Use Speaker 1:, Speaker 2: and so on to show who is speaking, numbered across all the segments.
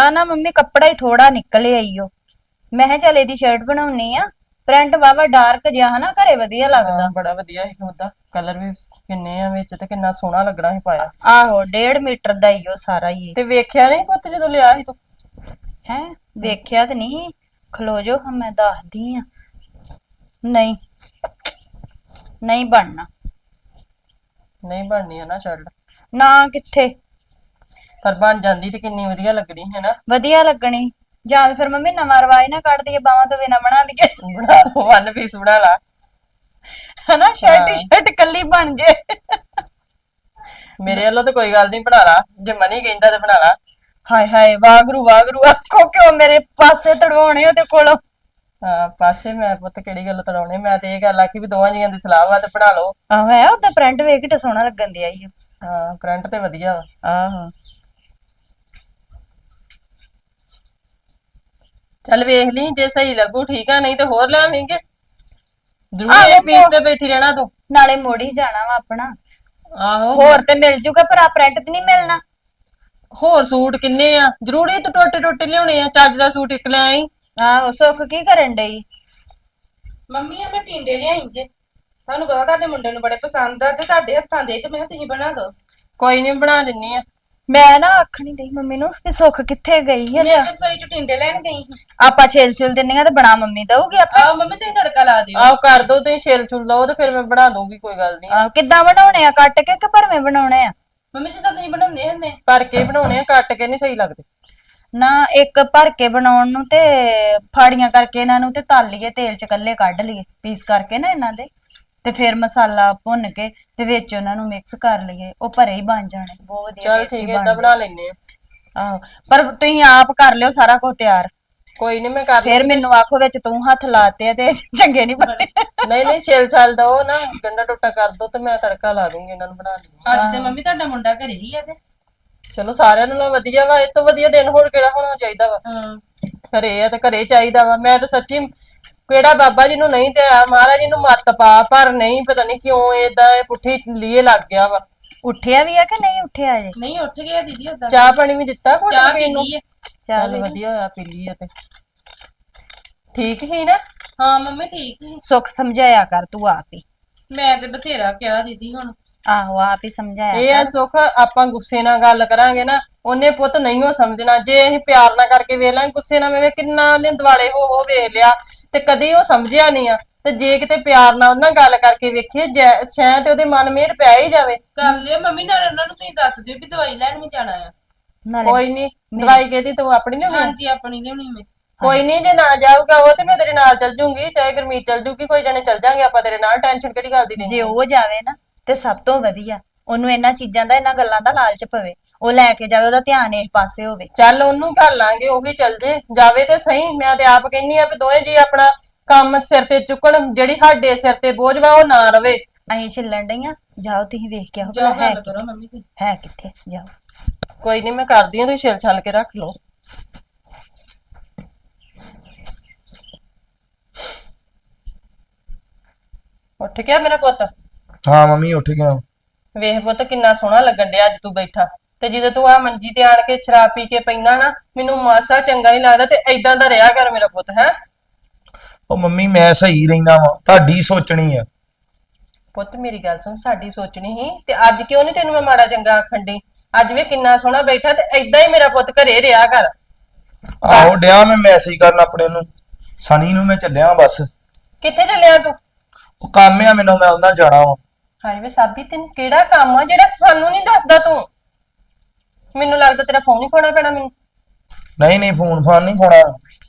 Speaker 1: ਆ ਨਾ ਮੰਮੀ ਕੱਪੜਾ ਹੀ ਥੋੜਾ ਨਿਕਲਿਆ ਈਓ। ਮੈਂ ਕਿਹਾ ਚੱਲ ਇਹਦੀ ਸ਼ਰਟ ਬਣਾਉਣੀ ਆ। ਪ੍ਰਿੰਟ ਵਾਵਾ ਡਾਰਕ ਜਿਹਾ ਹਨਾ ਘਰੇ ਵਧੀਆ ਲੱਗਦਾ।
Speaker 2: ਬੜਾ ਵਧੀਆ ਸੀ ਉਹਦਾ ਕਲਰ ਵੀ ਕਿੰਨੇ ਆ ਵਿੱਚ ਤੇ ਕਿੰਨਾ ਸੋਹਣਾ ਲੱਗਣਾ ਸੀ ਪਾਇਆ।
Speaker 1: ਆਹੋ 1.5 ਮੀਟਰ ਦਾ ਈਓ ਸਾਰਾ ਹੀ।
Speaker 2: ਤੇ ਵੇਖਿਆ ਨਹੀਂ ਪੁੱਤ ਜਦੋਂ ਲਿਆ ਸੀ ਤੂੰ?
Speaker 1: ਹੈ ਵੇਖਿਆ ਤੇ ਨਹੀਂ। ਖਲੋ ਜੋ ਹਾਂ ਮੈਂ ਦੱਸਦੀ ਆ। ਨਹੀਂ ਨਹੀਂ ਬਣਨਾ।
Speaker 2: ਨਹੀਂ ਬਣਨੀ ਹੈ ਨਾ ਸ਼ਰਟ।
Speaker 1: ਨਾ ਕਿੱਥੇ
Speaker 2: ਪਰ ਬਣ ਜਾਂਦੀ ਤੇ ਕਿੰਨੀ ਵਧੀਆ ਲੱਗਣੀ ਹੈ ਨਾ।
Speaker 1: ਵਧੀਆ ਲੱਗਣੀ। ਜਾਂ ਫਿਰ ਮੰਮੀ ਨਵਾਂ ਰਿਵਾਜ ਨਾ ਕੱਢ ਦਈਏ ਬਾਵਾਂ ਤੋਂ ਬਿਨਾ ਬਣਾ ਦਈਏ।
Speaker 2: ਬਣਾ ਲਓ ਵਨ ਪੀਸ ਬਣਾ ਲਾ।
Speaker 1: ਹਨਾ ਸ਼ਰਟ ਕੱਲੀ ਬਣ ਜੇ।
Speaker 2: ਮੇਰੇ ਵੱਲੋਂ ਤਾਂ ਕੋਈ ਗੱਲ ਨਹੀਂ ਬਣਾ ਲਾ। ਜੇ ਮਨੀ ਕਹਿੰਦਾ ਤੇ ਬਣਾ ਲਾ।
Speaker 1: ਹਾਏ ਹਾਏ ਵਾਗਰੂ ਵਾਗਰੂ ਆਖੋ ਕਿਉਂ ਮੇਰੇ ਪਾਸੇ ਤੜਵਾਉਣੇ ਉਹਦੇ ਕੋਲੋਂ।
Speaker 2: ਹਾਂ ਪਾਸੇ ਮੈਂ ਪੁੱਤ ਕਿਹੜੀ ਗੱਲ ਤੜਾਉਣੇ। ਮੈਂ ਤੇ ਇਹ ਗੱਲ ਆਖੀ ਵੀ ਦੋਵਾਂ ਜੀਆਂ ਦੀ ਸਲਾਹ ਵਾ ਤੇ ਬਣਾ ਲਓ।
Speaker 1: ਆਹੋ ਹੈ ਉਹਦਾ ਪ੍ਰਿੰਟ ਵੇਖ ਕੇ ਤੇ ਸੋਹਣਾ ਲੱਗਣ ਦਿਆ ਈ।
Speaker 2: ਹਾਂ ਕਰੰਟ ਤੇ ਵਧੀਆ ਵਾ।
Speaker 1: ਆਹੋ
Speaker 2: ਚੱਲ ਵੇਖ ਲਈ ਜੇ ਸਹੀ ਲੱਗੂ ਠੀਕ ਆ ਨਹੀਂ ਤੇ ਹੋਰ ਲਿਆਵਾਂਗੇ। ਜ਼ਰੂਰ ਇਹ ਪੀਸ ਤੇ ਬੈਠੀ ਰਹਿਣਾ ਤੂੰ।
Speaker 1: ਨਾਲੇ ਮੋੜ ਹੀ ਜਾਣਾ ਵਾ ਆਪਣਾ।
Speaker 2: ਆਹੋ
Speaker 1: ਹੋਰ ਤੇ ਮਿਲ ਜੂਗਾ ਪਰ ਆ ਪ੍ਰਿੰਟ ਤੇ ਨਹੀਂ ਮਿਲਣਾ।
Speaker 2: ਹੋਰ ਸੂਟ ਕਿੰਨੇ ਆ? ਜ਼ਰੂਰੀ ਤੂੰ ਟੋਟੇ ਟੋਟੇ ਲਿਆਉਣੇ ਆ? ਚੱਜ ਦਾ ਸੂਟ ਇੱਕ ਲੈ ਆਈ।
Speaker 1: ਆਹੋ ਸੁੱਖ ਕੀ ਕਰਨ ਡਈ?
Speaker 3: ਮੰਮੀ ਆ ਮੈਂ ਟਿੰਡੇ ਲਿਆਈ ਜੇ। ਤੁਹਾਨੂੰ ਪਤਾ ਤੁਹਾਡੇ ਮੁੰਡੇ ਨੂੰ ਬੜੇ ਪਸੰਦ ਆ ਤੇ ਤੁਹਾਡੇ ਹੱਥਾਂ ਦੇ ਤੇ ਮੈਂ ਕਿਹਾ ਤੁਸੀਂ ਬਣਾ ਦਿਓ।
Speaker 2: ਕੋਈ ਨਹੀਂ ਬਣਾ ਦਿੰਨੀ ਆ।
Speaker 1: ਮੈਂ ਨਾ ਆਖਣੀ ਡਈ ਮੰਮੀ ਨੂੰ ਕਿ ਸੁੱਖ ਕਿੱਥੇ ਗਈ ਹੈ।
Speaker 3: ਮੈਂ ਤੇ ਰਸੋਈ ਚ ਟਿੰਡੇ ਲੈਣ ਗਈ ਸੀ।
Speaker 1: ਆਪਾਂ ਛੇਲ ਛੁਲ ਦਿੰਨੀਆਂ ਤੇ ਬਣਾ ਮੰਮੀ ਦਊਗੀ ਆਪੇ।
Speaker 3: ਆਹ ਮੰਮੀ ਤੁਸੀਂ ਤੜਕਾ ਲਾ ਦਿਓ।
Speaker 2: ਆਹ ਕਰ ਦੋ ਤੁਸੀਂ ਛਿਲ ਛੁਲ ਲਓ ਤੇ ਫਿਰ ਮੈਂ ਬਣਾ ਦੂੰਗੀ ਕੋਈ ਗੱਲ ਨਹੀਂ।
Speaker 1: ਆਹੋ ਕਿੱਦਾਂ ਬਣਾਉਣੇ ਆ ਕੱਟ ਕੇ ਕਿ ਭਰਵੇਂ ਬਣਾਉਣੇ ਆ?
Speaker 3: ਮੰਮੀ ਜਿੱਦਾਂ ਤੁਸੀਂ ਬਣਾਉਂਦੇ ਹੁੰਦੇ।
Speaker 2: ਭਰ ਕੇ ਬਣਾਉਣੇ ਆ ਕੱਟ ਕੇ ਨਹੀਂ ਸਹੀ ਲੱਗਦੇ।
Speaker 1: ਨਾ ਇੱਕ ਭਰ ਕੇ ਬਣਾਉਣ ਨੂੰ ਤੇ ਫਾੜੀਆਂ ਕਰਕੇ ਇਹਨਾਂ ਨੂੰ ਤੇ ਤਲ ਲਈਏ ਤੇਲ ਚ ਕੱਲੇ ਕੱਢ ਲਈਏ ਪੀਸ ਕਰਕੇ ਨਾ ਇਹਨਾਂ ਦੇ ਤੇ ਫਿਰ ਮਸਾਲਾ ਭੁੰਨ ਕੇ ਤੇ ਵਿੱਚ ਉਹਨਾਂ ਨੂੰ ਮਿਕਸ ਕਰ ਲਈਏ ਉਹ ਭਰੇ ਹੀ ਬਣ ਜਾਣੇ ਬਹੁਤ ਵਧੀਆ।
Speaker 2: ਚਲ ਠੀਕ ਹੈ ਏਦਾਂ ਬਣਾ ਲੈਨੇ ਆ।
Speaker 1: ਆਹੋ ਪਰ ਤੁਸੀਂ ਆਪ ਕਰ ਲਿਓ ਸਾਰਾ ਕੁਝ ਤਿਆਰ।
Speaker 2: ਕੋਈ ਨਹੀਂ ਮੈਂ ਕਰ
Speaker 1: ਫਿਰ
Speaker 2: ਲੂੰਗੀ।
Speaker 1: ਮੈਨੂੰ ਆਖੋ ਵਿੱਚ ਤੂੰ ਹੱਥ ਲਾਤੇ ਆ ਤੇ ਚੰਗੇ ਨਹੀਂ ਬਣੇ।
Speaker 2: ਨਹੀਂ ਨਹੀਂ ਛਿਲ ਛਾਲ ਦੋ ਨਾ ਗੰਡਾ ਟੋਟਾ ਕਰ ਦੋ ਤੇ ਮੈਂ ਤੜਕਾ ਲਾ ਦੂੰਗੀ ਇਹਨਾਂ ਨੂੰ ਬਣਾ ਦੂੰਗੀ।
Speaker 3: ਅੱਜ ਤੇ ਮੰਮੀ ਤੁਹਾਡਾ ਮੁੰਡਾ ਘਰੇ ਹੀ ਆ ਤੇ।
Speaker 2: ਚਲੋ ਸਾਰਿਆਂ ਨਾਲੋਂ ਵਧੀਆ ਵਾ। ਇਹ ਤੋਂ ਵਧੀਆ ਦਿਨ ਹੋਰ ਕਿਹੜਾ ਹੋਣਾ ਚਾਹੀਦਾ ਵਾ।
Speaker 3: ਹਾਂ
Speaker 2: ਘਰੇ ਆ ਤੇ ਘਰੇ ਚਾਹੀਦਾ ਵਾ। ਮੈਂ ਤਾਂ ਸੱਚੀ ਕਿਹੜਾ ਬਾਬਾ ਜੀ ਨੂੰ ਨਹੀਂ ਤੇ ਆ ਮਹਾਰਾਜ ਜੀ ਨੂੰ ਮੱਤ ਪਾ ਪਰ ਨਹੀਂ ਪਤਾ ਨਹੀਂ ਕਿਉਂ ਏਦਾਂ ਇਹ ਪੁੱਠੀ ਲੀਏ ਲੱਗ ਗਿਆ ਵਾ।
Speaker 1: ਉੱਠਿਆ ਵੀ ਆ ਕਿ ਨਹੀਂ ਉੱਠਿਆ ਜੇ?
Speaker 3: ਨਹੀਂ ਉੱਠ ਗਿਆ ਦੀਦੀ ਉਦਾਂ।
Speaker 2: ਚਾਹ ਪਾਣੀ ਵੀ ਦਿੱਤਾ ਘੁੱਟ
Speaker 3: ਚਾਹ
Speaker 2: ਕੇ
Speaker 3: ਪੀ
Speaker 2: ਪੀਣ ਨੂੰ?
Speaker 3: ਲਈ ਆ।
Speaker 2: ਚੱਲ ਵਧੀਆ ਹੋਇਆ ਪੀ ਲਈ ਆ ਤੇ ਠੀਕ ਹੀ ਨਾ।
Speaker 3: ਹਾਂ ਮੰਮੀ ਠੀਕ ਸੀ।
Speaker 1: ਸੁੱਖ ਸਮਝਾਇਆ ਕਰ ਤੂੰ ਆਪ ਹੀ।
Speaker 3: ਮੈਂ ਤੇ ਬਥੇਰਾ ਕਿਹਾ ਦੀਦੀ ਹੁਣ।
Speaker 1: ਆਹੋ ਆਪ ਹੀ ਸਮਝਾਇਆ
Speaker 2: ਇਹ ਆ ਸੁੱਖ ਆਪਾਂ ਗੁੱਸੇ ਨਾਲ ਗੱਲ ਕਰਾਂਗੇ ਨਾ ਉਹਨੇ ਪੁੱਤ ਨਹੀਂ ਸਮਝਣਾ। ਜੇ ਅਸੀਂ ਪਿਆਰ ਨਾਲ ਕਰਕੇ ਵੇਖ ਲਾਂਗੇ ਗੁੱਸੇ ਨਾਲ ਵੇਖ ਕਿੰਨਾ ਉਹਨੇ ਦਿਵਾਲੇ ਹੋ ਵੇਖ ਲਿਆ ਤੇ ਕਦੀ ਉਹ ਸਮਝਿਆ ਨਹੀਂ ਆ। ਤੇ ਜੇ ਕਿਤੇ ਪਿਆਰ ਨਾਲ ਉਹਨਾਂ ਗੱਲ ਕਰਕੇ ਵੇਖੀਏ ਸ਼ਾਇਦ ਉਹਦੇ ਮਨ ਮੇਰ ਪੈ ਹੀ ਜਾਵੇ।
Speaker 3: ਕਰ ਲਿਓ ਮੰਮੀ ਨਾਲ ਉਹਨਾਂ ਨੂੰ ਤੁਸੀਂ ਦੱਸ ਦਿਓ ਵੀ ਦਵਾਈ ਲੈਣ ਵੀ ਜਾਣਾ ਆ।
Speaker 1: ਨਾਲੇ
Speaker 2: ਕੋਈ ਨਹੀਂ ਦਵਾਈ ਕਿਹਦੀ ਤੂੰ ਆਪਣੀ ਲਿਆਉਣੀ?
Speaker 3: ਹਾਂਜੀ ਆਪਣੀ ਲਿਆਉਣੀ ਮੈਂ।
Speaker 2: ਕੋਈ ਨਹੀਂ ਜੇ ਨਾ ਜਾਊਗਾ ਉਹ ਤੇ ਮੈਂ ਤੇਰੇ ਨਾਲ ਚੱਲ ਜੂੰਗੀ ਚਾਹੇ ਗੁਰਮੀਤ ਚੱਲ ਜੂਗੀ ਕੋਈ ਜਣੇ ਚੱਲ ਜਾਾਂਗੇ ਆਪਾਂ ਤੇਰੇ ਨਾਲ। ਟੈਨਸ਼ਨ ਕਿਹੜੀ ਗੱਲ ਦੀ
Speaker 1: ਜੇ
Speaker 2: ਨਹੀਂ।
Speaker 1: ਉਹ ਜਾਵੇ ਨਾ ਤੇ ਸਭ ਤੋਂ ਵਧੀਆ। ਉਹਨੂੰ ਇਹਨਾਂ ਚੀਜ਼ਾਂ ਦਾ ਇਹਨਾਂ ਗੱਲਾਂ ਦਾ ਲਾਲਚ ਪਵੇ ਉਹ ਲੈ ਕੇ ਜਾਵੇ ਉਹਦਾ ਧਿਆਨ ਇਸ ਪਾਸੇ ਹੋਵੇ।
Speaker 2: ਚੱਲ ਉਹਨੂੰ ਘੱਲ ਲਾਂਗੇ ਉਹ ਵੀ ਚੱਲ ਜੇ ਜਾਵੇ ਤੇ ਸਹੀ। ਮੈਂ ਤੇ ਆਪ ਕਹਿੰਨੀ ਆ ਵੀ ਦੋਵੇਂ ਜੀ ਆਪਣਾ ਕੰਮ ਸਿਰ ਤੇ ਚੁੱਕਣ ਜਿਹੜੀ ਸਾਡੇ ਸਿਰ ਤੇ ਬੋਝ ਵਾ ਉਹ ਨਾ ਰਵੇ।
Speaker 1: ਅਸੀਂ ਛਿੱਲਣ ਡਈਆਂ ਜਾਓ ਤੁਸੀਂ ਵੇਖ ਕੇ ਆਓ
Speaker 3: ਜਾਓ
Speaker 1: ਭਲਾ
Speaker 3: ਗੱਲ ਕਰੋ ਮੰਮੀ ਤੁਸੀਂ।
Speaker 1: ਹੈ ਕਿੱਥੇ ਜਾਓ।
Speaker 2: ਕੋਈ ਨਹੀਂ ਮੈਂ ਕਰਦੀ ਆ ਤੁਸੀਂ ਛਿਲ ਛਲ ਕੇ ਰੱਖ ਲਓ। ਉੱਠ ਗਿਆ ਮੇਰਾ ਪੁੱਤ?
Speaker 4: ਹਾਂ ਮੰਮੀ ਉੱਠ ਗਿਆ।
Speaker 2: ਵੇਖ ਪੁੱਤ ਕਿੰਨਾ ਸੋਹਣਾ ਲੱਗਣ ਡਿਆ ਅੱਜ ਤੂੰ ਬੈਠਾ ਤੇ ਜਦੋਂ ਤੂੰ ਆ ਮੰਜੀ ਤੇ ਆਣ ਕੇ ਸ਼ਰਾਬ ਪੀ ਕੇ ਪੈਂਦਾ ਨਾ ਮੈਨੂੰ ਮਾਸਾ ਚੰਗਾ ਨਹੀਂ ਲੱਗਦਾ। ਤੇ ਏਦਾਂ ਦਾ ਰਿਹਾ ਕਰ ਮੇਰਾ ਪੁੱਤ। ਹੈ
Speaker 4: ਉਹ ਮੰਮੀ ਮੈਂ ਸਹੀ ਰਹਿਣਾ ਵਾ ਤੁਹਾਡੀ ਸੋਚਣੀ ਆ।
Speaker 2: ਪੁੱਤ ਮੇਰੀ ਗੱਲ ਸੁਣ ਸਾਡੀ ਸੋਚਣੀ ਸੀ ਤੇ ਅੱਜ ਕਿਉਂ ਨਹੀਂ ਤੈਨੂੰ ਮੈਂ ਮਾੜਾ ਚੰਗਾ ਆਖਣ ਡਈ? ਅੱਜ ਵੇ ਕਿੰਨਾ ਸੋਹਣਾ ਬੈਠਾ ਤੇ ਏਦਾਂ ਹੀ ਮੇਰਾ ਪੁੱਤ ਘਰੇ ਰਿਹਾ ਕਰ।
Speaker 4: ਆਹੋ ਡਿਆ ਮੈਂ ਮੈਸੇਜ ਕਰਨ ਆਪਣੇ ਨੂੰ ਸਨੀ ਨੂੰ ਮੈਂ ਚੱਲਿਆ ਬਸ।
Speaker 2: ਕਿੱਥੇ ਚੱਲਿਆ ਤੂੰ?
Speaker 4: ਉਹ ਕੰਮ ਆ ਮੈਨੂੰ ਮੈਂ ਉਹਨਾਂ ਜਾਣਾ ਵਾ।
Speaker 2: ਹਾਏ ਵੇ ਸਾਬੀ ਤੈਨੂੰ ਕਿਹੜਾ ਕੰਮ ਆ ਜਿਹੜਾ ਸਾਨੂੰ ਨਹੀਂ ਦੱਸਦਾ ਤੂੰ? ਮੈਨੂੰ ਲੱਗਦਾ ਤੇਰਾ ਫੋਨ ਹੀ ਖੋਣਾ ਪੈਣਾ ਮੈਨੂੰ।
Speaker 4: ਨਹੀਂ ਨਹੀਂ ਫੋਨ ਫਾਨ ਨਹੀਂ ਖੋਣਾ।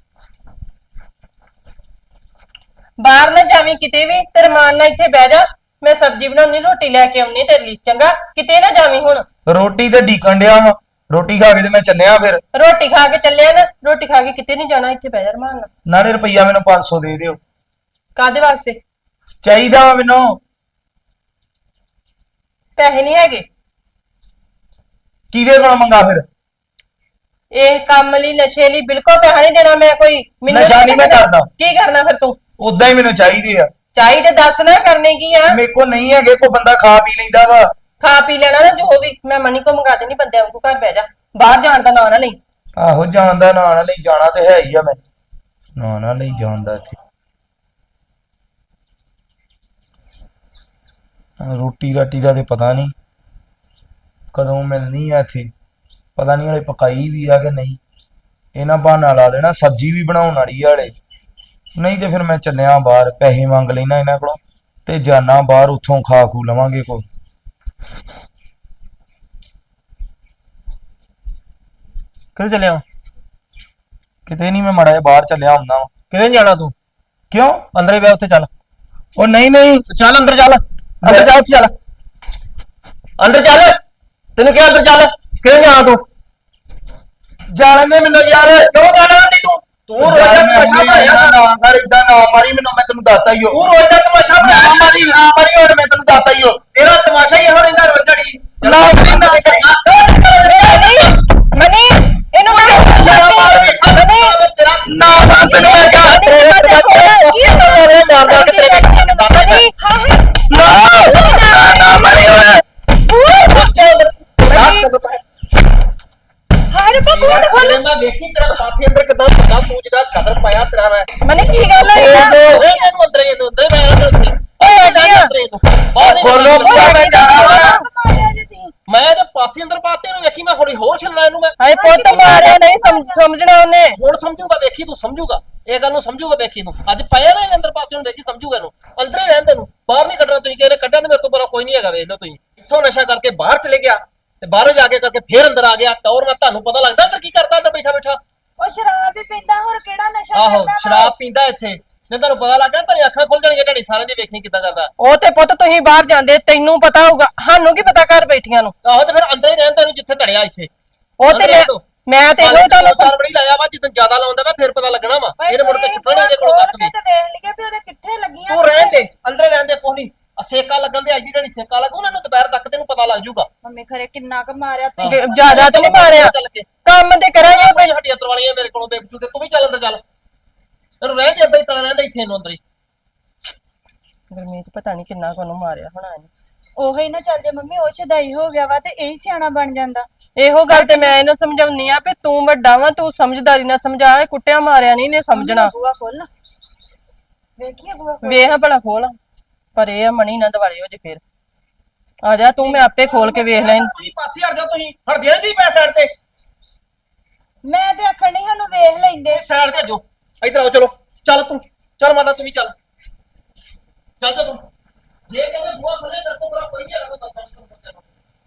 Speaker 2: ਬਾਹਰ ਨਾ ਜਾਵੀਂ ਕਿਤੇ ਵੀ ਤੇ ਰਮਾਨ ਨਾਲ ਇੱਥੇ ਬਹਿ ਜਾ। ਮੈਂ ਸਬਜ਼ੀ ਬਣਾਉਣੀ ਰੋਟੀ ਲੈ ਕੇ ਆਉਣੀ ਤੇਰੇ ਲਈ ਚੰਗਾ। ਕਿਤੇ ਨਾ ਜਾਵੀਂ ਹੁਣ।
Speaker 4: ਰੋਟੀ ਤੇ ਢੀਕਣ ਡਿਆ ਵਾ ਰੋਟੀ ਖਾ ਕੇ ਤੇ ਮੈਂ ਚੱਲਿਆ ਫਿਰ।
Speaker 2: ਰੋਟੀ ਖਾ ਕੇ ਚੱਲਿਆ ਨਾ ਰੋਟੀ ਖਾ ਕੇ ਕਿਤੇ ਨਹੀਂ ਜਾਣਾ ਇੱਥੇ ਬਹਿ ਜਾ ਰਮਾਨ ਨਾਲ।
Speaker 4: ਨਾਲੇ ਰੁਪਈਆ ਮੈਨੂੰ 500 ਦੇ ਦਿਓ।
Speaker 2: ਕਾਦੇ ਵਾਸਤੇ?
Speaker 4: ਚਾਹੀਦਾ ਵਾ ਮੈਨੂੰ।
Speaker 2: ਪੈਸੇ ਨਹੀਂ ਹੈਗੇ।
Speaker 4: ਕਿਹਦੇ ਕੋਲ ਮੰਗਾ ਫਿਰ?
Speaker 2: ਇਹ ਕੰਮ ਲਈ ਨਸ਼ੇ ਲਈ ਬਿਲਕੁਲ ਪੈਸਾ ਨਹੀਂ ਦੇਣਾ ਮੈਂ ਕੋਈ।
Speaker 4: ਨਸ਼ਾ ਨਹੀਂ ਮੈਂ ਕਰਦਾ।
Speaker 2: ਕੀ ਕਰਨਾ ਫਿਰ ਤੂੰ?
Speaker 4: ਉਦਾਂ ਹੀ ਮੈਨੂੰ ਚਾਹੀਦੇ ਆ।
Speaker 2: ਚਾਹੀਦੇ ਦੱਸ ਨਾ ਕਰਨੇ ਕੀ ਆ?
Speaker 4: ਮੇਰੇ ਕੋਲ ਨਹੀਂ ਹੈਗੇ ਕੋਈ ਬੰਦਾ ਖਾ ਪੀ ਲੈਂਦਾ ਵਾ।
Speaker 2: ਖਾ ਪੀ ਲੈਣਾ ਨਾ ਜੋ ਵੀ। ਮੈਂ ਮਨੀ ਕੋ ਮੰਗਾ ਦੇਣੀ ਬੰਦਿਆਂ ਵਾਂਗੂ ਘਰ ਬਹਿ ਜਾ। ਬਾਹਰ ਜਾਣ ਦਾ ਨਾਂ ਨਾ ਲਈ।
Speaker 4: ਆਹੋ ਜਾਣਦਾ ਨਾਂ ਨਾ ਲਈ ਜਾਣਾ ਤੇ ਹੈ ਹੀ ਆ ਮੈਂ ਨਾਂ ਨਾ ਲਈ ਜਾਣਦਾ ਇੱਥੇ ਰੋਟੀ ਰਾਟੀ ਦਾ ਤੇ ਪਤਾ ਨਹੀਂ ਕਦੋਂ ਮਿਲਣੀ ਆ ਇੱਥੇ ਪਤਾ ਨਹੀਂ ਹਲੇ ਪਕਾਈ ਵੀ ਆ ਕਿ ਨਹੀਂ ਇਹਨਾਂ ਬਹਾਨਾ ਲਾ ਦੇਣਾ ਸਬਜ਼ੀ ਵੀ ਬਣਾਉਣ ਵਾਲੀ ਆ ਹਲੇ ਨਹੀਂ ਤੇ ਫਿਰ ਮੈਂ ਚੱਲਿਆ ਬਾਹਰ ਪੈਸੇ ਮੰਗ ਲੈਣਾ ਇਹਨਾਂ ਕੋਲੋਂ ਤੇ ਜਾਣਾ ਬਾਹਰ ਉੱਥੋਂ ਖਾ ਖੂ ਲਵਾਂਗੇ ਕੋਈ
Speaker 5: ਕਿੱਥੇ ਚੱਲਿਆ
Speaker 4: ਕਿਤੇ ਨਹੀਂ ਮੈਂ ਮਾੜਾ ਜਿਹਾ ਬਾਹਰ ਚੱਲਿਆ ਹੁੰਦਾ ਵਾਂ
Speaker 5: ਕਿਤੇ ਨੀ ਜਾਣਾ ਤੂੰ
Speaker 4: ਕਿਉਂ
Speaker 5: ਅੰਦਰ ਹੀ ਬੈ ਉੱਥੇ ਚੱਲ
Speaker 4: ਉਹ ਨਹੀਂ
Speaker 5: ਚੱਲ ਅੰਦਰ ਚੱਲ ਅੰਦਰ ਜਾ ਉੱਥੇ ਚੱਲ ਅੰਦਰ ਚੱਲ ਤੈਨੂੰ ਕਿਹਾ ਅੰਦਰ ਚੱਲ ਕਿਤੇ ਨੀ ਜਾਣਾ ਤੂੰ
Speaker 4: ਜਾਣ ਦੇ ਮੈਨੂੰ ਯਾਰ
Speaker 5: ਕਿਉਂ ਜਾਣਾ ਨਹੀਂ ਤੂੰ ਰੋਜ਼ ਦਾ ਤਮਾਸ਼ਾ ਬਣਾਇਆ
Speaker 4: ਨਾ ਕਰ ਇਦਾਂ ਨਾ ਮਾਰੀ ਮੈਨੂੰ ਮੈਂ ਤੈਨੂੰ ਦੱਸਤਾ ਹੀ ਹੋ
Speaker 5: ਤੂੰ ਰੋਜ਼ ਦਾ ਤਮਾਸ਼ਾ ਬਣਾਇਆ
Speaker 4: ਨਾ ਮਾਰੀ ਹੁਣ ਮੈਂ ਤੈਨੂੰ ਦੱਸਤਾ ਹੀ ਹੋ
Speaker 5: ਤੇਰਾ ਤਮਾਸ਼ਾ ਹੀ ਇਹੋ ਰਹਿੰਦਾ ਰੋਜ਼ ਘੜੀ
Speaker 4: ਨਾ ਮਾਰੀ ਨਾ
Speaker 1: ਮਨੀ ਇਹਨੂੰ
Speaker 4: ਨਾ ਨਾ ਤੈਨੂੰ ਮੈਂ ਕਿਹਾ ਨਾ ਮਾਰੀ ਹੁਣ
Speaker 1: ਹਾਰੇ ਬਾਬੂ ਤੇ ਖੋਲ
Speaker 5: ਮੈਂ ਵੇਖੀ ਤੇਰਾ ਪਾਸੇ ਅੰਦਰ ਕਿਦਾਂ ਵੱਡਾ ਸੂਝ ਦਾ ਕਦਰ ਪਾਇਆ ਤੇਰਾ ਮੈਂ
Speaker 1: ਮਨੀ ਕੀ ਗੱਲ ਹੋਈ ਆ
Speaker 5: ਇਹਨੂੰ ਅੰਦਰ ਇਹ ਅੰਦਰ ਮੈਂ ਅੰਦਰ
Speaker 4: ਖੋਲੋ ਬੁਆ ਮੈਂ ਜਾਣਾ ਵਾ
Speaker 5: ਮੈਂ ਤੇ ਪਾਸੇ ਅੰਦਰ ਪਾਤੇ ਨੂੰ ਵੇਖੀ ਮੈਂ ਥੋੜੀ ਹੋਰ ਛੱਲਣਾ ਇਹਨੂੰ ਮੈਂ
Speaker 2: ਹਾਏ ਪੁੱਤ ਮਾਰਿਆ ਨਹੀਂ ਸਮਝਣਾ ਉਹਨੇ
Speaker 5: ਹੁਣ ਸਮਝੂਗਾ ਵੇਖੀ ਤੂੰ ਸਮਝੂਗਾ ਇਹ ਗੱਲ ਨੂੰ ਸਮਝੂਗਾ ਵੇਖੀ ਤੂੰ ਅੱਜ ਪਾਇਆ ਨਾ ਇਹਦੇ ਅੰਦਰ ਪਾਸੇ ਨੂੰ ਵੇਖੀ ਸਮਝੂਗਾ ਇਹਨੂੰ ਅੰਦਰ ਹੀ ਰਹਿਣ ਤੈਨੂੰ ਬਾਹਰ ਨਹੀਂ ਕੱਢਣਾ ਤੁਸੀਂ ਕਹਿੰਦੇ ਕੱਢਣ ਮੇਰੇ ਤੋਂ ਬੜਾ ਕੋਈ ਨਹੀਂ ਹੈਗਾ ਵੇਖ ਲਓ ਤੁਸੀਂ ਇੱਥੋਂ ਨਸ਼ਾ ਕਰਕੇ ਬਾਹਰ ਚਲੇ ਗਿਆ ਤੇ ਬਾਹਰੋਂ ਜਾ ਕੇ ਕਰਕੇ ਫੇਰ ਅੰਦਰ ਆ ਗਿਆ ਟੌਰ ਨਾਲ ਤੁਹਾਨੂੰ ਪਤਾ ਲੱਗਦਾ ਅੰਦਰ ਕੀ ਕਰਦਾ ਅੰਦਰ ਬੈਠਾ ਬੈਠਾ
Speaker 1: ਉਹ ਸ਼ਰਾਬ ਹੀ ਪੀਂਦਾ ਹੋਰ ਕਿਹੜਾ ਨਸ਼ਾ
Speaker 5: ਆਹੋ
Speaker 1: ਕਰਦਾ ਵਾ?
Speaker 5: ਸ਼ਰਾਬ ਪੀਂਦਾ ਇੱਥੇ ਜੇ ਤੁਹਾਨੂੰ ਪਤਾ ਲੱਗਾ ਤਾਂ ਅੱਖਾਂ ਖੁੱਲ ਜਾਣਗੀਆਂ ਤੁਹਾਡੀ ਸਾਰਿਆਂ ਦੀ ਵੇਖਣੀ ਕਿੱਦਾਂ ਕਰਦਾ
Speaker 2: ਉਹ ਤੇ ਪੁੱਤ ਤੁਸੀਂ ਬਾਹਰ ਜਾਂਦੇ ਤੈਨੂੰ ਪਤਾ ਹੋਊਗਾ ਸਾਨੂੰ ਕੀ ਪਤਾ ਘਰ ਬੈਠੀਆਂ ਨੂੰ
Speaker 5: ਆਹੋ ਤੇ ਫਿਰ ਅੰਦਰ ਹੀ ਰਹਿਣ ਤੈਨੂੰ ਜਿੱਥੇ ਧੜਿਆ ਇੱਥੇ
Speaker 2: ਉਹ ਤੇ ਮੈਂ ਤੇ ਇਹੋ ਤੁਹਾਨੂੰ
Speaker 5: ਸਾਰ ਬੜੀ ਲਾਇਆ ਵਾ ਜਿੱਦਾਂ ਜ਼ਿਆਦਾ ਲਾਉਂਦਾ ਵਾ ਫਿਰ ਪਤਾ ਲੱਗਣਾ ਵਾ ਇਹਨੇ ਮੁੜ ਕੇ ਛੁੱਟਣਾ ਇਹਦੇ ਕੋਲੋਂ ਤੱਕ ਵੀ
Speaker 1: ਤੇ ਦੇਖ ਲਈਏ ਵੀ ਉਹਦੇ ਕਿੱਥੇ ਲੱਗੀਆਂ
Speaker 5: ਤੂੰ ਰਹਿਣ ਦੇ ਅੰਦਰ ਰਹਿਣ ਦੇ ਕੋਈ ਨਹੀਂ ਸੇਕਾ ਲੱਗਣ ਦੇ ਅੱਜ ਦੀ ਜਿਹੜੀ ਸੇਕਾ ਲੱਗੂ ਉਹਨਾਂ ਨੂੰ ਦੁਪਹਿਰ ਤੱਕ ਤੈਨੂੰ ਪਤਾ ਲੱਗ ਜਾਊਗਾ
Speaker 1: ਮੰਮੀ ਖਰੇ ਕਿੰਨਾ ਕੁ ਮਾਰਿਆ ਤੂੰ
Speaker 2: ਜ਼ਿਆਦਾ ਤੇ ਨਹੀਂ ਮਾਰਿਆ
Speaker 5: ਚੱਲ ਕੇ
Speaker 2: ਕੰਮ ਤੇ ਕਰਾਂਗੇ
Speaker 5: ਕੋਈ ਹੱਡੀਆਂ ਤਰਵਾਲੀਆਂ ਮੇਰੇ ਕੋਲੋਂ ਬੇਬਚੂ ਤੇ ਤੂੰ ਵੀ ਚੱਲ ਅੰਦਰ ਚੱਲ ਤੈਨੂੰ ਰਹਿਣ ਦੇ ਅੰਦਰ ਹੀ ਤਲਾ ਰਹਿੰਦਾ ਇੱਥੇ ਇਹਨੂੰ ਅੰਦਰ ਹੀ
Speaker 2: ਗੁਰਮੀਤ ਪਤਾ ਨਹੀਂ ਕਿੰਨਾ ਕੋਨੂੰ ਮਾਰਿਆ ਹੋਣਾ ਇਹਨੇ
Speaker 1: ਉਹੀ ਨਾ ਚੱਲ ਜੇ ਮੰਮੀ ਉਹ ਛਦਾਈ ਹੋ ਗਿਆ ਵਾ ਤੇ ਇਹੀ ਸਿਆਣਾ ਬਣ ਜਾਂਦਾ
Speaker 2: ਇਹੋ ਗੱਲ ਤੇ ਮੈਂ ਇਹਨੂੰ ਸਮਝਾਉਣੀ ਆ ਵੀ ਤੂੰ ਵੱਡਾ ਵਾ ਤੂੰ ਸਮਝਦਾਰੀ ਨਾਲ ਸਮਝਾ ਇਹ ਕੁੱਟਿਆ ਮਾਰਿਆ ਨਹੀਂ ਨੇ ਸਮਝਣਾ
Speaker 1: ਬੂਆ ਖੋਲ ਨਾ ਵੇਖੀਏ ਬੂਆ
Speaker 2: ਵੇਖ ਭਲਾ ਖੋਲ ਪਰ ਇਹ ਆ ਮਣੀ ਨਾ ਦਿਵਾਲੇ ਹੋ ਜੇ ਫੇਰ ਆ ਜਾ ਤੂੰ ਮੈਂ ਆਪੇ ਖੋਲ ਕੇ ਵੇਖ ਲੈਣ
Speaker 5: ਤੁਸੀਂ ਪਾਸੇ ਹਟ ਜਾਓ ਤੁਸੀਂ ਹਟਦੇ ਨਹੀਂ ਪੈ ਸਾਈਡ ਤੇ
Speaker 1: ਮੈਂ ਤੇ ਆਖਣ ਨਹੀਂ ਸਾਨੂੰ ਵੇਖ ਲੈਂਦੇ
Speaker 5: ਸਾਈਡ ਤੇ ਹਟੋ ਇੱਧਰ ਆਓ ਚਲੋ ਚੱਲ ਤੂੰ ਚੱਲ ਮਾਤਾ ਤੂੰ ਵੀ ਚੱਲ ਚੱਲ ਜਾ ਤੂੰ ਜੇ ਕਹਿੰਦੇ ਬੂਆ ਖੋਲੇ ਤਾਂ ਤੋਂ ਬੜਾ ਕੋਈ ਨਹੀਂ ਹੈਗਾ ਤਾਂ ਦੱਸ ਸਾਨੂੰ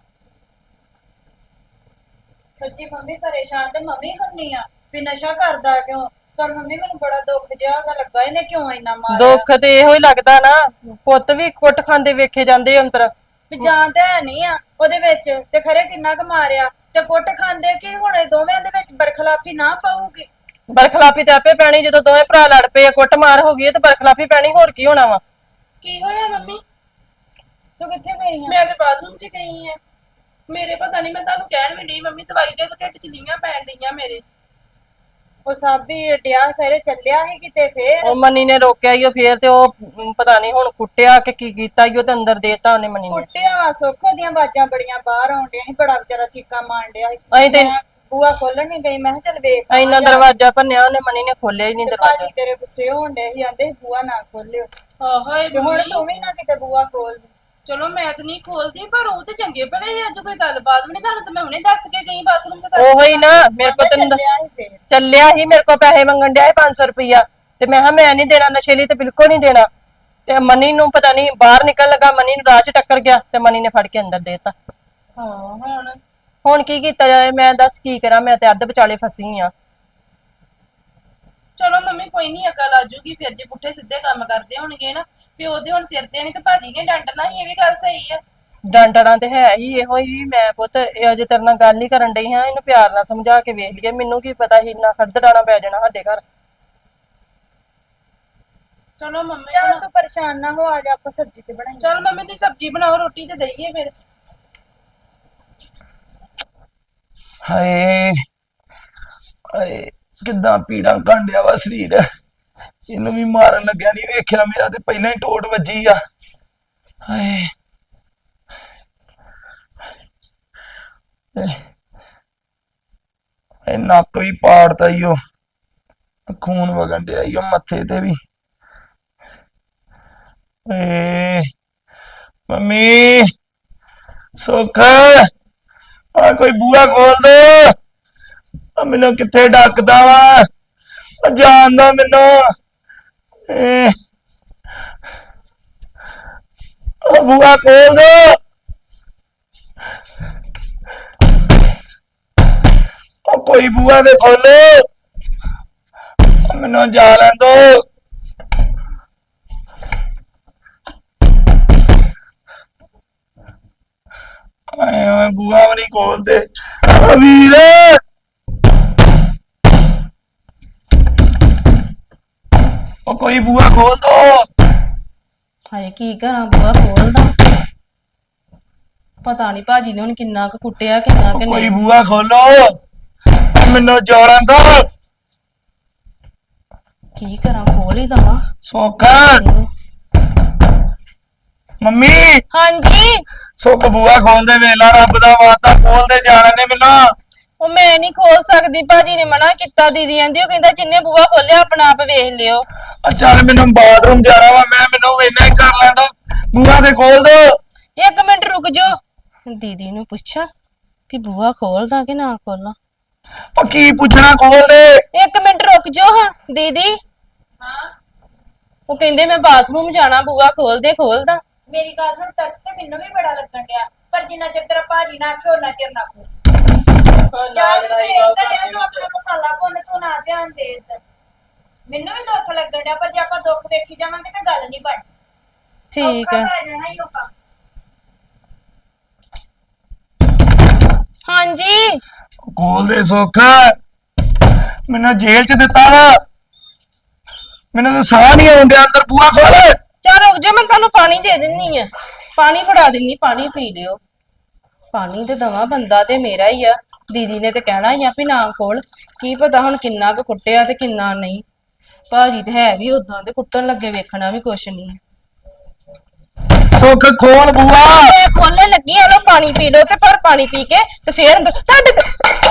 Speaker 1: ਸੱਚੀ ਮੰਮੀ ਪਰੇਸ਼ਾਨ ਤੇ ਮੰਮੀ ਹੁੰਨੀ ਆ ਵੀ ਨਸ਼ਾ ਕਰਦਾ ਕਿਉਂ ਪਰ ਮੰਮੀ ਮੈਨੂੰ ਬੜਾ ਦੁੱਖ ਜਿਹਾ ਦਾ ਲੱਗਾ ਇਹਨੇ ਕਿਉਂ ਇੰਨਾ ਮਾਰਿਆ
Speaker 2: ਦੁੱਖ ਤੇ ਇਹੋ ਹੀ ਲੱਗਦਾ ਨਾ ਪੁੱਤ ਵੀ ਕੁੱਟ ਖਾਂਦੇ ਵੇਖੇ ਜਾਂਦੇ ਅੰਤਰ
Speaker 1: ਵੀ ਜਾਨ ਤੇ ਹੈ ਨਹੀਂ ਆ ਉਹਦੇ ਵਿੱਚ ਤੇ ਖਰੇ ਕਿੰਨਾ ਕੁ ਮਾਰਿਆ ਤੇ ਕੁੱਟ ਖਾਂਦੇ ਕਿ ਹੁਣ ਇਹ ਦੋਵੇਂ ਦੇ ਵਿੱਚ ਬਰਖਲਾਫੀ ਨਾ ਪਾਊਗੀ
Speaker 2: ਬਰਖਲਾਫੀ ਤੇ ਆਪੇ ਪੈਣੀ ਜਦੋਂ ਦੋਵੇਂ ਭਰਾ ਲੜ ਪਏ ਕੁੱਟ ਮਾਰ ਹੋ ਗਈ ਤੇ ਬਰਖਲਾਫੀ ਪੈਣੀ ਹੋਰ ਕੀ ਹੋਣਾ ਵਾ
Speaker 3: ਕੀ ਹੋਇਆ ਮੰਮੀ
Speaker 1: ਤੂੰ ਕਿੱਥੇ ਗਈ ਆ
Speaker 3: ਮੈਂ ਤੇ ਬਾਥਰੂਮ 'ਚ ਗਈ ਆ ਮੇਰੇ ਪਤਾ ਨਹੀਂ ਮੈਂ ਤੁਹਾਨੂੰ ਕਹਿਣ ਵੀ ਨਹੀਂ ਮੰਮੀ ਦਵਾਈ ਦੇ ਢਿੱਡ 'ਚ ਲੀਆਂ ਪੈਣ ਡੀਆਂ ਮੇਰੇ
Speaker 1: ਉਹ ਸਭ ਵੀ ਡਿਆ ਖਰੇ ਚੱਲਿਆ ਸੀ ਕਿਤੇ ਫੇਰ
Speaker 2: ਉਹ ਮਨੀ ਨੇ ਰੋਕਿਆ ਈ ਉਹ ਫੇਰ ਤੇ ਉਹ ਪਤਾ ਨਹੀਂ ਹੁਣ ਕੁੱਟਿਆ ਕਿ ਕੀ ਕੀਤਾ ਈ ਉਹ ਤੇ ਅੰਦਰ ਦੇਤਾ ਉਹਨੇ ਮਨੀ ਨੇ
Speaker 1: ਕੁੱਟਿਆ ਵਾ ਸੁੱਖ ਦੀਆਂ ਆਵਾਜ਼ਾਂ ਬੜੀਆਂ ਬਾਹਰ ਆਉਣ ਡਿਆ ਸੀ ਬੜਾ ਵਿਚਾਰਾ ਚੀਕਾਂ ਮਾਰਨ ਡਿਆ ਸੀ
Speaker 2: ਅਸੀਂ ਤੇ
Speaker 1: ਮੈਂ ਬੂਆ ਖੋਲਣ ਨਹੀਂ ਗਈ ਮੈਂ ਕਿਹਾ ਚੱਲ ਵੇਖ
Speaker 2: ਇੰਨਾ ਦਰਵਾਜ਼ਾ ਭੰਨਿਆ ਉਹਨੇ ਮਨੀ ਨੇ ਖੋਲਿਆ ਹੀ ਨਹੀਂ ਦਰਵਾਜ਼ਾ
Speaker 1: ਭਾਜੀ ਤੇਰੇ ਗੁੱਸੇ ਹੋਣ ਡੇ ਸੀ ਆਂਦੇ ਬੂਆ ਨਾ ਖੋਲਿਓ
Speaker 3: ਹਾਏ
Speaker 1: ਤੇ ਹੁਣ ਤੂੰ ਵੀ ਨਾ ਕਿਤੇ ਬੂਆ ਖੋਲ
Speaker 3: ਚਲੋ ਮੈਂ ਤਾਂ ਨਹੀਂ ਖੋਲਦੀ ਪਰ ਉਹ ਤੇ ਚੰਗੇ ਭਲੇ ਸੀ ਅੱਜ ਕੋਈ ਗੱਲਬਾਤ ਵੀ ਨਹੀਂ ਤੁਹਾਨੂੰ ਤਾਂ ਮੈਂ ਹੁਣੇ ਦੱਸ ਕੇ ਗਈ ਬਾਥਰੂਮ ਤੇ
Speaker 2: ਉਹੋ ਹੀ ਨਾ ਮੇਰੇ ਕੋ ਤੈਨੂੰ
Speaker 1: ਚੱਲਿਆ ਸੀ ਫੇਰ
Speaker 2: ਚੱਲਿਆ ਹੀ ਮੇਰੇ ਕੋ ਪੈਸੇ ਮੰਗਣ ਡਿਆ 500 ਰੁਪਇਆ ਤੇ ਮੈਂ ਕਿਹਾ ਮੈਂ ਨਹੀਂ ਦੇਣਾ ਨਸ਼ੇ ਲਈ ਤੇ ਬਿਲਕੁਲ ਨਹੀਂ ਦੇਣਾ ਤੇ ਮਨੀ ਨੂੰ ਪਤਾ ਨਹੀਂ ਬਾਹਰ ਨਿਕਲ ਲਗਾ ਮਨੀ ਨੂੰ ਰਾਹ ਚ ਟੱਕਰ ਗਿਆ ਤੇ ਮਨੀ ਨੇ ਫੜ ਕੇ ਅੰਦਰ ਦੇਤਾ
Speaker 3: ਹਾਂ
Speaker 2: ਹੁਣ ਕੀ ਕੀਤਾ ਜਾਏ ਮੈਂ ਦੱਸ ਕੀ ਕਰਾਂ ਮੈਂ ਤੇ ਅੱਧ ਵਿਚਾਲੇ ਫਸੀ ਆ
Speaker 3: ਚਲੋ ਮੰਮੀ ਕੋਈ ਨਹੀਂ ਅਕਲ ਆ ਜੂਗੀ ਫਿਰ ਜੇ ਪੁੱਠੇ ਸਿੱਧੇ ਕੰਮ ਕਰਦੇ ਹੋਣਗੇ ਨਾ ਪਿਓ ਦੇ ਹੁਣ ਸਿਰ ਤੇ ਨਹੀਂ ਤੇ ਭਾਜੀ ਨੇ ਡੰਡਣਾ ਹੀ ਇਹ ਵੀ ਗੱਲ ਸਹੀ ਆ
Speaker 2: ਡਾਂਟਣਾ ਤੇ ਹੈ ਹੀ ਇਹੋ ਹੀ ਮੈਂ ਪੁੱਤ ਇਹ ਅਜੇ ਤੇਰੇ ਨਾਲ ਗੱਲ ਹੀ ਕਰਨ ਡਈ ਹਾਂ ਇਹਨੂੰ ਪਿਆਰ ਨਾਲ ਸਮਝਾ ਕੇ ਵੇਖ ਲਈਏ ਮੈਨੂੰ ਕੀ ਪਤਾ ਸੀ ਇੰਨਾ ਖੜਦ ਡਾਣਾ ਪੈ ਜਾਣਾ ਸਾਡੇ ਘਰ
Speaker 3: ਚਲੋ ਮੰਮੀ
Speaker 1: ਚੱਲ ਤੂੰ ਪਰੇਸ਼ਾਨ ਨਾ ਹੋ ਆ ਜਾ ਆਪਾਂ ਸਬਜ਼ੀ ਤੇ ਬਣਾਈ
Speaker 3: ਚਲ ਮੰਮੀ ਦੀ ਸਬਜ਼ੀ ਬਣਾਓ ਰੋਟੀ ਤੇ ਦਈਏ ਫਿਰ
Speaker 4: ਹਾਏ ਹਾਏ ਕਿੱਦਾਂ ਪੀੜਾਂ ਕਾਂਡਿਆ ਵਾ ਸਰੀਰ ਇਹਨੂੰ ਵੀ ਮਾਰਨ ਲੱਗਿਆ ਨਹੀਂ ਵੇਖਿਆ ਮੇਰਾ ਤੇ ਪਹਿਲਾਂ ਹੀ ਟੋਟ ਵੱਜੀ ਆ ਹਾਏ ਇਹ ਨੱਕ ਵੀ ਪਾੜਤਾ ਈ ਓ ਖੂਨ ਵਗਣ ਡਿਆ ਈ ਓ ਮੱਥੇ ਤੇ ਵੀ ਏ ਮੰਮੀ ਸੁੱਖ ਆ ਕੋਈ ਬੂਹਾ ਖੋਲ ਦੋ ਆ ਮੈਨੂੰ ਕਿੱਥੇ ਡੱਕਦਾ ਵਾ ਆ ਜਾਣਦਾ ਮੈਨੂੰ ਏ ਆ ਬੂਹਾ ਖੋਲ ਦੋ ਉਹ ਕੋਈ ਬੂਹਾ ਦੇ ਖੋਲੋ ਮੈਨੂੰ ਜਾ ਲੈਣ ਦੋ ਆਏ ਓਏ ਬੂਹਾ ਵੀ ਨਹੀਂ ਖੋਲਦੇ ਓ ਵੀਰ ਉਹ ਕੋਈ ਬੂਹਾ ਖੋਲ ਦੋ
Speaker 3: ਹਾਏ ਕੀ ਕਰਾਂ ਬੂਆ ਖੋਲਦਾ ਪਤਾ ਨਹੀਂ ਭਾਜੀ ਨੇ ਹੁਣ ਕਿੰਨਾ ਕੁ ਕੁੱਟਿਆ ਕਿੰਨਾ ਕਿ
Speaker 4: ਕੋਈ
Speaker 3: ਨਹੀਂ
Speaker 4: ਬੂਹਾ ਖੋਲੋ ਮੈਨੂੰ ਜੋੜਨ ਦੋ
Speaker 3: ਕੀ ਕਰਾਂ ਖੋਲ ਹੀ ਦਵਾਂ
Speaker 4: ਸੁੱਖ ਮੰਮੀ
Speaker 3: ਹਾਂਜੀ
Speaker 4: ਸੁੱਖ ਬੂਹਾ ਖੋਲਦੇ ਵੇਲਾ ਰੱਬ ਦਾ ਵਾਅਦਾ ਖੋਲਦੇ ਜਾਣ ਦੇ ਮੈਨੂੰ
Speaker 3: ਉਹ ਮੈਂ ਨਹੀਂ ਖੋਲ ਸਕਦੀ ਭਾਜੀ ਨੇ ਮਨਾ ਕੀਤਾ ਦੀਦੀ ਆਂਦੀ ਉਹ ਕਹਿੰਦਾ ਜਿੰਨੇ ਬੂਆ ਖੋਲਿਆ ਆਪਣਾ ਆਪ ਵੇਖ ਲਿਓ
Speaker 4: ਆ ਚੱਲ ਮੈਨੂੰ ਬਾਥਰੂਮ ਜਾਣਾ ਵਾ ਮੈਨੂੰ ਇੰਨਾ ਹੀ ਕਰ ਲੈਂਦਾ ਬੂਹਾ ਤੇ ਖੋਲ ਦੋ
Speaker 3: ਇੱਕ ਮਿੰਟ ਰੁਕ ਜਾਓ ਦੀਦੀ ਨੂੰ ਪੁੱਛਾਂ ਕਿ ਬੂਆ ਖੋਲਦਾ ਕਿ ਨਾ ਖੋਲਾਂ
Speaker 4: ਉਹ ਕੀ ਪੁੱਛਣਾ ਖੋਲ ਦੇ
Speaker 3: ਇੱਕ ਮਿੰਟ ਰੁਕ ਜਾਓ ਹਾਂ ਦੀਦੀ
Speaker 1: ਹਾਂ
Speaker 3: ਉਹ ਕਹਿੰਦੇ ਮੈਂ ਬਾਥਰੂਮ ਜਾਣਾ ਬੂਆ ਖੋਲਦਾ
Speaker 1: ਮੇਰੀ ਗੱਲ ਸੁਣ ਤਰਸ ਤੇ ਮੈਨੂੰ ਵੀ ਬੜਾ ਲੱਗਣ ਡਿਆ ਪਰ ਜਿੰਨਾ ਚਿਰ ਤੇਰਾ ਭਾਜੀ ਨਾ ਆਖੇ ਉਹਨਾਂ ਚਿਰ ਨਾ ਕੋ ਚਾਹ ਤੂੰ ਇੱਧਰ ਆ ਤੂੰ ਆਪਣਾ ਮਸਾਲਾ ਭੁੰਨ ਤੂੰ ਨਾ ਧਿਆਨ ਦੇ ਇੱਧਰ ਮੈਨੂੰ ਵੀ ਦੁੱਖ ਲੱਗਣ ਡਿਆ ਪਰ ਜੇ ਆਪਾਂ ਦੁੱਖ ਵੇਖੀ ਜਾਵਾਂਗੇ ਤਾਂ ਗੱਲ ਨਹੀਂ ਬਣਨੀ
Speaker 3: ਠੀਕ ਹੈ
Speaker 1: ਔਖਾ ਤਾਂ ਜਾਣਾ ਹੀ ਔਖਾ
Speaker 3: ਹਾਂਜੀ
Speaker 4: ਖੋਲ ਦੇ ਸੁੱਖ ਮੈਨੂੰ ਜੇਲ੍ਹ ਚ ਦਿੱਤਾ ਵਾ ਮੈਨੂੰ ਤਾਂ ਸਾਹ ਨਹੀਂ ਆਉਂਦਾ ਅੰਦਰ ਬੂਹਾ ਖੋਲ
Speaker 3: ਚਲ ਰੁਕ ਜਾ ਮੈਂ ਤੁਹਾਨੂੰ ਪਾਣੀ ਦੇ ਦਿੰਨੀ ਆ ਪਾਣੀ ਫੜਾ ਦਿੰਨੀ ਪਾਣੀ ਪੀ ਲਿਓ ਪਾਣੀ ਤੇ ਦਵਾ ਬੰਦਾ ਤੇ ਮੇਰਾ ਹੀ ਆ ਦੀਦੀ ਨੇ ਤੇ ਕਹਿਣਾ ਹੀ ਆ ਵੀ ਨਾ ਖੋਲ ਕੀ ਪਤਾ ਹੁਣ ਕਿੰਨਾ ਕੁ ਕੁੱਟਿਆ ਤੇ ਕਿੰਨਾ ਨਹੀਂ ਭਾਜੀ ਤੇ ਹੈ ਵੀ ਉਦਾਂ ਤੇ ਕੁੱਟਣ ਲੱਗੇ ਵੇਖਣਾ ਵੀ ਕੁਛ ਨਹੀਂ
Speaker 4: ਸੁੱਖ ਖੋਲ ਬੂਹਾ
Speaker 3: ਖੋਲਣ ਲੱਗੀ ਆ ਲੋ ਪਾਣੀ ਪੀ ਲਓ ਤੇ ਪਰ ਪਾਣੀ ਪੀ ਕੇ ਤੇ ਫੇਰ ਤੁਹਾਡੇ